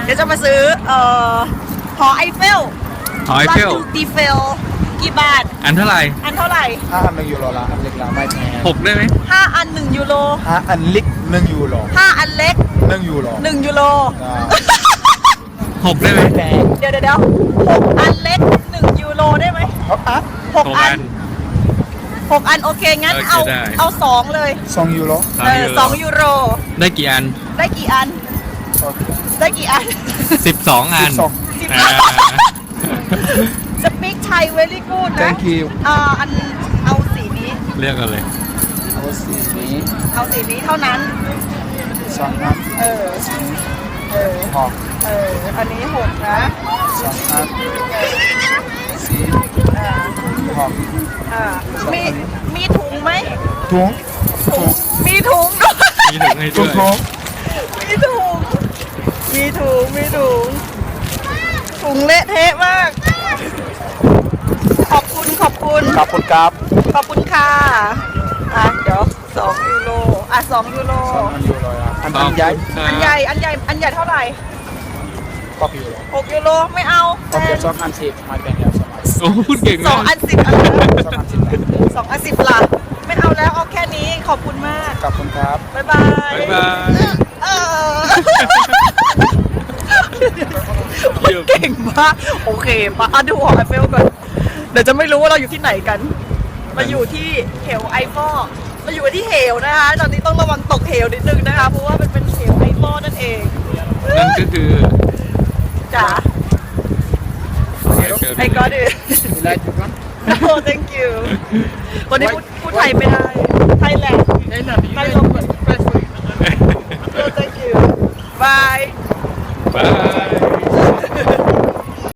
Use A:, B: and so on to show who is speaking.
A: เดี๋ยวจะมาซื้อหอไอเฟล
B: หอไอเฟล
A: ดีเฟลกี่บาท
B: อันเท่าไหร่
A: อันเท่าไหร่
C: 5 อัน1 ยูโรละอันเล็กละไม่แพง
B: 6ได้ไหม
A: 5 อัน 1 ยูโร
C: 5 อันเล็ก1 ยูโร
A: 5 อันเล็ก
C: 1 ยูโร
A: 1 ยูโร
C: อ่า
B: 6ได้ไหม
C: แพง
A: เดี๋ยว6 อันเล็ก 1 ยูโรได้ไหม
C: เอาอ่ะ
A: 6 อัน 6 อันโอเค งั้น
B: โอเค
A: เอา
B: ได้
A: เอา 2 เลย
C: 2 ยูโร
A: 2 ยูโร
B: ได้กี่อัน
A: ได้กี่อัน
C: โอเค
A: ได้กี่อัน
B: 12 อัน
C: 12
B: อ่า
A: สปีกไทย very good นะ
C: thank you
A: อันเอาสีนี้
B: เรียกกันเลย
C: เอาสีนี้
A: เอาสีนี้เท่านั้น
C: 2 อัน
A: เออ
C: หอก
A: อันนี้6นะ
C: 2 อันสี
A: อ่า
C: หอก
A: อ่ามีถุงไหม
C: ถุง
A: มีถุงด้วย
B: มีถุงให้
C: ถุ
B: ด้
C: ง
B: วย
C: ถุง
A: มีถุง มีถุง มีถุง ถุงเละเทะมาก ขอบคุณ ขอบคุณ
C: กับคนกับ
A: ขอบคุณค่ะเดี๋ยว2 ยูโร2 ยูโร
C: 2 อันยูโรอ่ะอันใหญ่
A: อันใหญ่ อันใหญ่ อันใหญ่เท่าไหร่
C: 6 ยูโร
A: 6 ยูโร ไม่เอา
C: โอเค2 อัน10ไม่แพงแล้ว2 อัน
B: โอ้พูดเก่ง
A: ส
B: มา
A: อง
B: ก
A: อัน10 อัน
C: 2 อัน10
A: 2 อัน10ล่ะไม่เอาแล้ว เอาแค่นี้ ขอบคุณมาก
C: กับคนครับ
A: บ๊ายบาย
B: บ๊ายบาย
A: เออเก่งมาก โอเคปะดูหอไอเฟลก่อน เดี๋ยวจะไม่รู้ว่าเราอยู่ที่ไหนกัน มาอยู่ที่เหวไอฟอลมาอยู่ที่เหวนะคะ ตอนนี้ต้องระวังตกเหวนิดนึงนะคะ เพราะว่ามันเป็นเหวไอฟอลนั่นเอง
B: นั่นก็คือ
A: จ๋า ไอ้ก็ดิ
C: You like this one?
A: no thank you วันนี้พูดไทยไม่ได้ ไทยแลนด์ไทยลง no thank you bye